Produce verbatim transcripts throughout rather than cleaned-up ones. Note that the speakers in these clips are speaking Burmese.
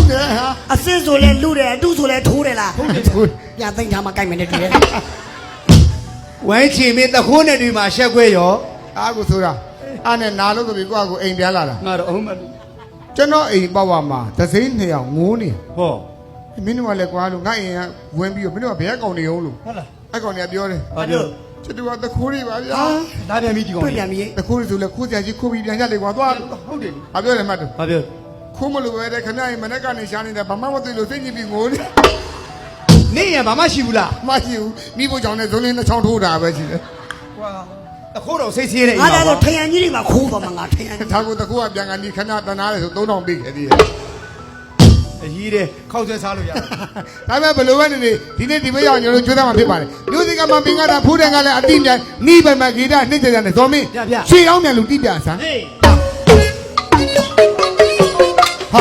တယ်ဟာအစစ်ဆိုလဲလူတယ်အတုဆိုလဲထိုးတယ်လားဟုတ်တယ်ထိုးပြန်သိမ်းထားမှကြိုက်မယ်နဲ့တူတယ်ဝိုင်းချီမင်းတခိုးနဲ့တွေ့မှာရှက်ခွဲရောအားကိုဆိုတာအားနဲ့နာလို့ဆိုပြီးကိုကကိုအိမ်ပြန်လာတာငါတော့အုံးမလို့ကျွန်တော်အိမ်ပေါ့ပါမှာသစိမ်းနှစ်ယောက်ငိုးနေဟောမင်းတို့ကလည်းကွာလို့ငါအိမ်ကဝင်ပြီးတော့မင်းတို့ကဘယ်ကောင်နေအောင်လို့ဟုတ်လားအဲ့ကောင်တွေကပြောတယ်ဘာပြောချစ်တူကတခိုးတွေပါဗျာလာပြန်ပြီဒီကောင်ပြန်ပြီတခိုးတွေဆိုလဲခိုးကြကြီးခိုးပြီးပြန်ကြလေကွာသွားဟုတ်တယ်ဘာပြောလဲမှတ်တယ်ဘာပြောခိုးမလို့ပဲတဲ့ခဏရင်မနေ့ကနေရှားနေတာဘာမှမသိလို့စိတ်ညစ်ပြီးငိုနေနေရဘာမှရှိဘူးလားမရှိဘူးမိဖို့ကြောင့်လည်းဇုံးလေးနှစ်ချောင်းထိုးတာပဲရှိတယ်ကွာတခိုးတော့စိတ်ဆေးနေငါတော့ထရန်ကြီးတွေမှာခိုးပါမှာငါထရန်ဒါကိုတခိုးကပြန်ကနေခဏတနာတယ်ဆိုသုံးထောင်ပေးခဲ့သေးတယ်အကြီးတယ်ခောက်ဆွဲစားလို့ရဒါပေမဲ့ဘယ်လိုပဲနေနေဒီနေ့ဒီမရောက်ကျွန်တော်ကျွေးသားမှာဖြစ်ပါတယ်မျိုးစင်ကမှပင်ကတာဖူးတယ်ကလည်းအတိမြိုင်နီးပိုင်မှာဂီတနှိမ့်ကြတယ်ဇော်မင်းရှေ့အောင်မြန်လူတိပြဆန်းဟာ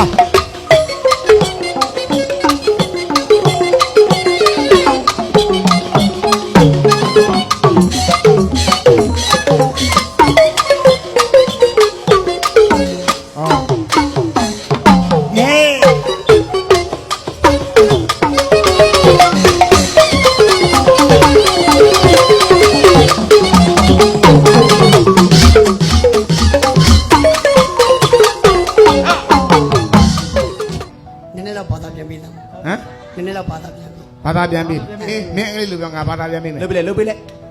ဘာသာပြန်ပြီအေးမင်းအဲ့လိုပြောငါဘာသာပြန်ပြီမယ်လုပ်ပြလေလုပ်ပြလေ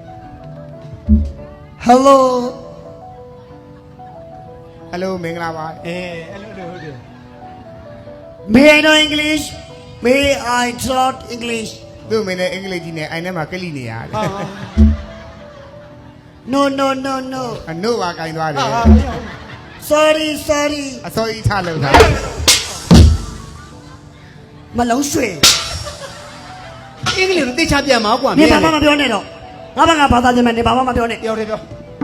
Hello Hello မင်္ဂလာပါအေးအဲ့လိုဟုတ်တယ် May I know English May I talk English သူ့မင်းနဲ့အင်္ဂလိပ်ကြီးနဲ့အိုင်ထဲမှာကလိနေရတယ် No no no no အနို့ပါကင်သွားတယ် Sorry sorry အစောကြီးထားလို့ထားမလုံးရွှေအင်္ဂလိပ်ကိုသိချပြန်မှာကွာမင်းဘာမှမပြောနဲ့တော့ငါဘာငါဘာသာပြန်မယ်နေဘာမှမပြောနဲ့ပြောတယ်ပြော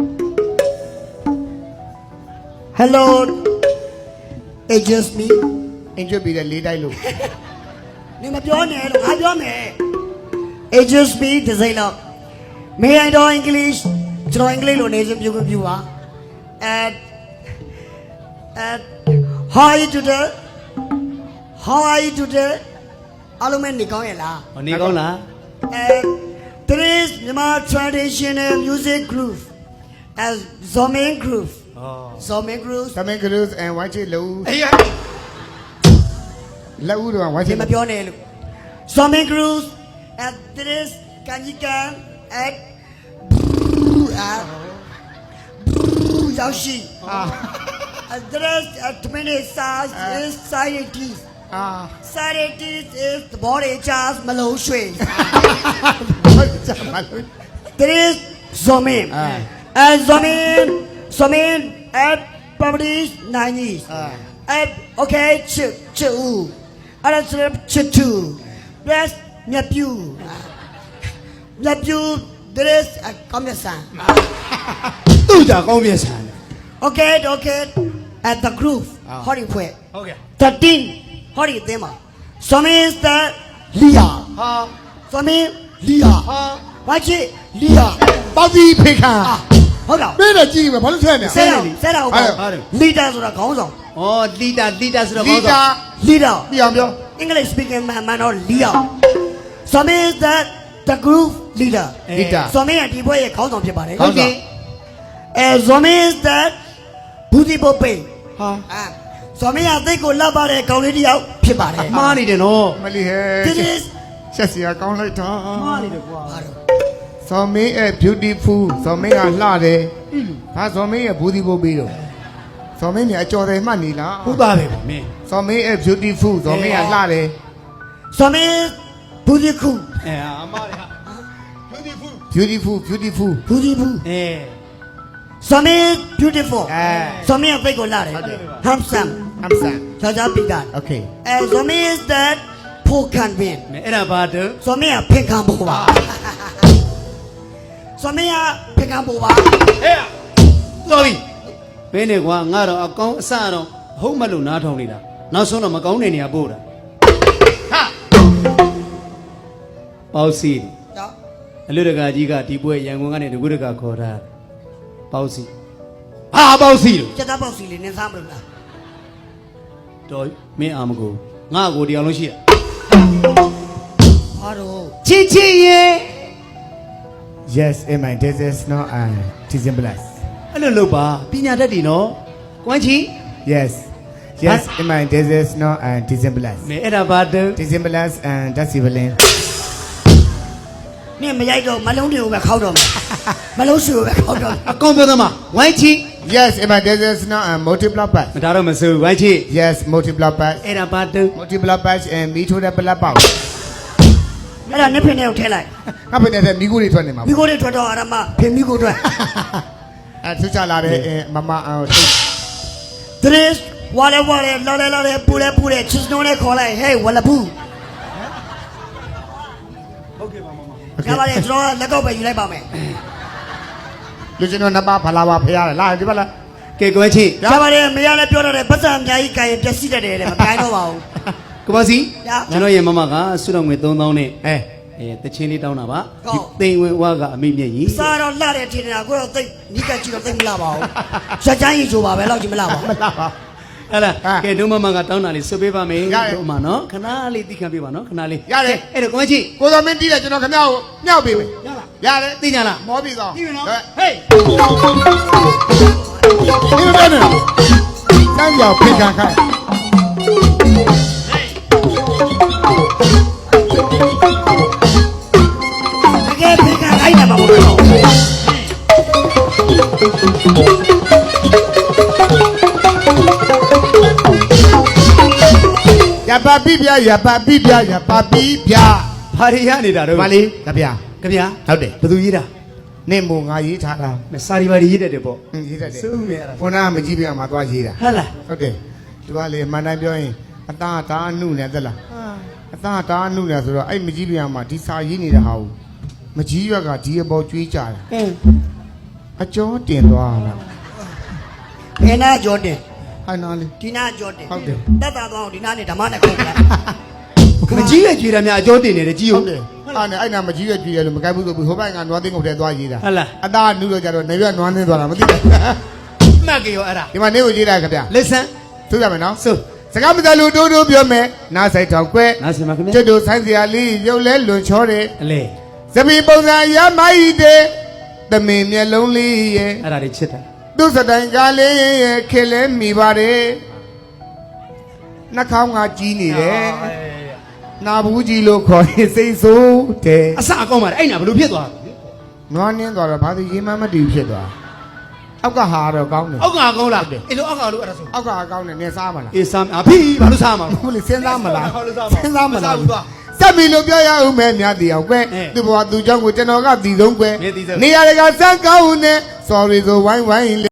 Hello It's just me အင်ကျွတ်ပြီးတဲ့လေးတိုက်လို့နေမပြောနဲ့လို့ငါပြောမယ် It's just me ဒီစိမ့်တော့ May I know English ကျွန်တော်အင်္ဂလိပ်လိုနေစပြုပြပါ at at how are you today how are you todayအားလုံးနေကောင်းရဲ့လားဟောနေကောင်းလား and there is Myanmar traditional music group as Zomin group อ๋อ Zomin group Zomin group and white lâu အေးရလက်ဦးတော့ white မပြောနဲ့လို့ Zomin group and there is Kanjikan at အာရောက်ရှိအာ there is at many stars is scientists Ah, Saturday is the body charge မလုံးရွှေ There is Zomin and Zomin Zomin at publish nine years at okay ချစ်ချစ်ဦးအဲ့ဒါချစ်two plus မြတ်ပြူမြတ်ပြူ there is ကောင်းမြတ်ဆန်သူ့ကြကောင်းမြတ်ဆန် Okay okay at the group ဟောဒီဖွဲ့ဟုတ်ကဲ့ thirteenဟောဒီအသင်းမှာ Zomin is the leader ဟာ Zomin leader ဟာဘာချစ် leader ပေါက်ပြီးဖိခါဟုတ်လားမင်းလည်းကြည့်မယ်ဘာလို့ထဲနေဆဲတော့ဆဲတော့ဟုတ် leader ဆိုတာခေါင်းဆောင်ဩလီတာလီတာဆိုတော့ခေါင်းဆောင် leader ပြအောင်ပြော English speaking man man တော့ leader Zomin is the the group leader leader Zomin ကဒီဘွဲရဲ့ခေါင်းဆောင်ဖြစ်ပါတယ်ဟုတ်ကဲ့အဲ Zomin is the ဘူးဒီပိုပိဟာအာZomin ကသိကိုလှပ်ပါတဲ့ကောင်လေးတယောက်ဖြစ်ပါတယ်မှားနေတယ်နော်မလီဟဲချက်စီကောင်းလိုက်တာမှားနေတယ်ကွာဇော်မင်းရဲ့ beautiful ဇော်မင်းကလှတယ်ဘာဇော်မင်းရဲ့ဘူးဒီပို့ပြီးတော့ဇော်မင်းမြအကျော်တယ်မှတ်နေလားဟုတ်ပါပဲမင်းဇော်မင်းရဲ့ beautiful ဇော်မင်းကလှတယ် Zomin ဘူးဒီခုအဲအမားရ beautiful beautiful beautiful ဘူးဒီဘူးအဲ Zomin beautiful အဲ Zomin ကသိကိုလှတယ် handsome handsome ချာချာပြီးတာ okay အဲ Zomin is that ဖို့ခံပင်မင်းအဲ့ဒါဘာတော့ Zomin ကဖင်ခံဖို့ပါZomin ကဖင်ခံဖို့ပါဟဲ့တော်ပြီမင်းနေကွာငါတော့အကောင်းအဆတော့ဟုတ်မလို့နားထောင်နေတာနောက်ဆုံးတော့မကောင်းတဲ့နေရာပို့တာဟာပေါ့စီအလူတကာကြီးကဒီပွဲရန်ကုန်ကနေတကူတကာခေါ်တာပေါ့စီဟာပေါ့စီလို့ကျက်သားပေါက်စီလေးနင်းစားမလို့လားတော်မင်းအာမကိုငါ့ကိုတရားလုံးရှိတာဘာတော့ချစ်ချစ်ရဲ့ Yes in my this is not a teaching plus အဲ့လိုလုပ်ပါပညာတတ်တယ်နော်ကွမ်းချီ Yes Yes in my this is not a teaching plus မဲအဲ့ဒါဘာတူ teaching plus and that's civilian နင်မရိုက်တော့မလုံးတွေကိုပဲခောက်တော့မယ်မလုံးစုကိုပဲခောက်တော့အကောင်ပြောသမားဝိုင်းချီ Yes in my this is not a multiple plus မဒါတော့မစိုးဝိုင်းချီ Yes multiple plus အဲ့ဒါဘာတူ multiple plus and me to the plus ပေါ့အဲ့ဒါနှစ်ဖင်ထဲကိုထည့်လိုက်ငါဖိနေတဲ့မိကိုတွေထွက်နေမှာမိကိုတွေထွက်တော့အရမဖင်မိကိုထွက်အဲသူချလာတဲ့မမအောင် Tres wale wale lale lale pure pure chisno နဲ့ခေါ်လိုက် Hey ဝလဘူးဟုတ်ကဲ့ပါမမကဘာလေကျွန်တော်လက်ကောက်ပဲယူလိုက်ပါမယ်လူချင်းတို့နှစ်ပါးဖလာပါဖရားလာဒီဘက်လာကဲကွမ်းချီကဘာလေမရလည်းပြောတော့တယ်ပတ်စံအများကြီးကာရင်ပျက်စီးတတ်တယ်တဲ့မကိုင်းတော့ပါဘူးကဘာစီရကျွန်တော်ရဲ့မမကဆုတော်ငွေသုံးသောင်းနဲ့အဲအဲတချင်းလေးတောင်းတာပါဟုတ်တိမ်ဝင်ဝါကအမိမျက်ကြီးစားတော့လှတဲ့ထင်တာကိုတော့သိနီးကကြည့်တော့သိမလှပါဘူးစက်ချမ်းကြီးချိုပါပဲလောက်ကြီးမလှပါဘူးမလာပါအဲ့လားဟာကဲဒုမမကတောင်းတာလေးဆွပေးပါမယ်ရတယ်ဒုမနော်ခဏလေးသိခံပေးပါနော်ခဏလေးရတယ်အဲ့တော့ကွမ်းချီကိုစောမင်းတီးတယ်ကျွန်တော်ခင်ဗျားကိုမြောက်ပေးမယ်ရလားရတယ်သိကြလားမောပြီတော့သိပြီနော်ဟဲ့ဟေးဒီလိုပြောနေတန်းကြောင်ဖိတ်ခံခိုင်းတကယ်ဖိကခိုင်းတယ်မဟုတ်ဘူးရပါပိပြရပါပိပြရပါပိပြဘာတွေရနေတာတော့မလေးကြဗျာကြဗျာဟုတ်တယ်ဘယ်သူရေးတာနေမို့ငါရေးထားတာမစာရီဘာတွေရေးတတ်တယ်ပေါ့ဟင်းရေးတတ်တယ်စုမြဲတာခုနကမကြည့်ပြမှာသွားရေးတာဟုတ်လားဟုတ်တယ်သူကလေအမှန်တိုင်းပြောရင်အသားဒါအနုနဲ့သက်လားအသားဒါအနုနဲ့ဆိုတော့အဲ့မကြည့်ပြမှာဒီစာရေးနေတဲ့ဟာကိုမကြီးရွက်ကဒီအပေါ်ကျွေးကြတာအင်းအကျော်တင်သွားလားဘယ်နာကြောတင်ဟိုင်နာလေးဒီနာကြောတင်ဟုတ်တယ်တတ်တာတော့ဒီနာနဲ့ဓမ္မနဲ့ခေါ်လိုက်မကြီးရဲ့ကြွေတာများအကျိုးတင်နေတယ်ကြီးဟုဟုတ်တ်တယ်အဲ့နဲ့အဲ့နာမကြီးရွက်ကျွေးရလို့မကိုက်ဘူးဆိုပြီးဟိုဘက်ကနွားသိန်းကုန်ထဲသွားရေးတာဟုတ်လားအသားအနုတော့ကြတော့နေရွက်နွားသိန်းသွားတာမသိဘူးမှတ်ကြရောအဲ့ဒါဒီမှာနေကိုရေးတာခင်ဗျာ listen သိကြမယ်နော်ဆိုစကားမတလူတိုးတိုးပြောမယ်နားဆိုင်ထောင်ကွဲနားစင်ပါခင်ဗျာကျွတ်တို့ဆိုင်းစရာလေးရုပ်လဲလွန်ချောတယ်အလေသပီပုံစံရမိုက်တဲ့သမင်မျက်လုံးလေးရဲ့အဲ့ဒါတွေချစ်တာသူစတိုင်ကားလေးရဲ့ခေလဲမိပါတယ်နှာခေါင်းကကြီးနေတယ်နာဘူးကြီးလို့ခေါ်ရင်စိတ်ဆိုးတယ်အစအကောင်းပါလေအဲ့ညာဘယ်လိုဖြစ်သွားနွားနင်းသွားတော့ဘာလို့ရေမမတည်ဖြစ်သွားအောက်ကဟာတော့ကောင်းတယ်အောက်ကကောင်းလားအဲ့လိုအောက်ကလို့အဲ့ဒါဆိုအောက်ကဟာကောင်းတယ်နေစားမလားအေးဆမ်းအဖေးဘာလို့စားမှာဟုတ်လေစဉ်းစားမလားဟုတ်လို့စားမှာစဉ်းစားမလားမစားဘူးသွားစက်ပြီလို့ပြောရအောင်မဲများတီအောင်ကွဲအဲသူ့ဘဝသူ့เจ้าကိုကျွန်တော်ကတည်ဆုံးကွဲမင်းတည်ဆုံးနေရာတကစမ်းကောင်းနဲ့ sorry ဆိုဝိုင်းဝိုင်း